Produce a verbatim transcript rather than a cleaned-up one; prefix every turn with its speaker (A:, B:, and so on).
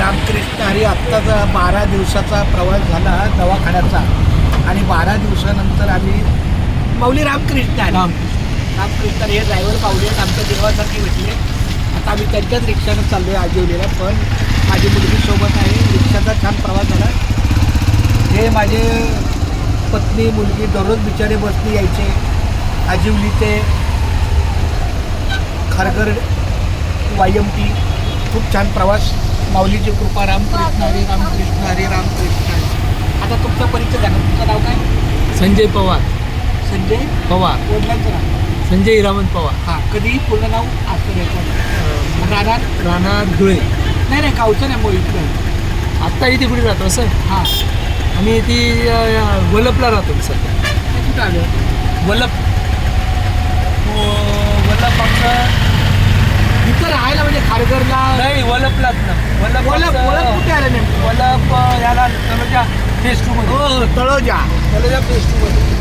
A: रामकृष्ण हरी. आत्ताचा बारा दिवसाचा प्रवास झाला दवाखान्याचा आणि बारा दिवसानंतर आम्ही माऊली रामकृष्ण हरी रामकृष्ण हरी हे ड्रायव्हर पावले आहेत आमच्या देवासारखे भेटले. आता आम्ही त्यांच्याच रिक्षानं चाललो आहे आजिवलीला. पण माझी मुलगी सोबत आहे. रिक्षाचा छान प्रवास झाला. हे माझे पत्नी मुलगी दररोज बिचारे बसनी यायचे आजिवली ते खारघर वाय एम टी. खूप छान प्रवास. माऊलीची कृपा. रामकृष्ण हरी रामकृष्ण हरी रामकृष्ण हरी. आता तुमचा परिचय झाला. तुमचं नाव काय?
B: संजय पवार.
A: संजय
B: पवार.
A: वडिलांचं नाव?
B: संजय हिरामन पवार.
A: हां. कधी पूर्ण नाव असं द्यायचं? राहणार
B: राहणार धुळे.
A: नाही नाही गावचं नाही मग इकडं.
B: आत्ता इथे कुठे राहतो सर?
A: हां.
B: आम्ही ती वलपला राहतो सध्या.
A: कुठं आलं?
B: वलप वलप आमचं
A: इथं राहायला म्हणजे खारघरला
B: नाही वलपलाच ना. वलप
A: वलप वलप कुठे आलं नेमकं?
B: वलप याला तळोजा फेस टू मध्ये.
A: हो तळोजा.
B: तळोजा फेस टू मध्ये.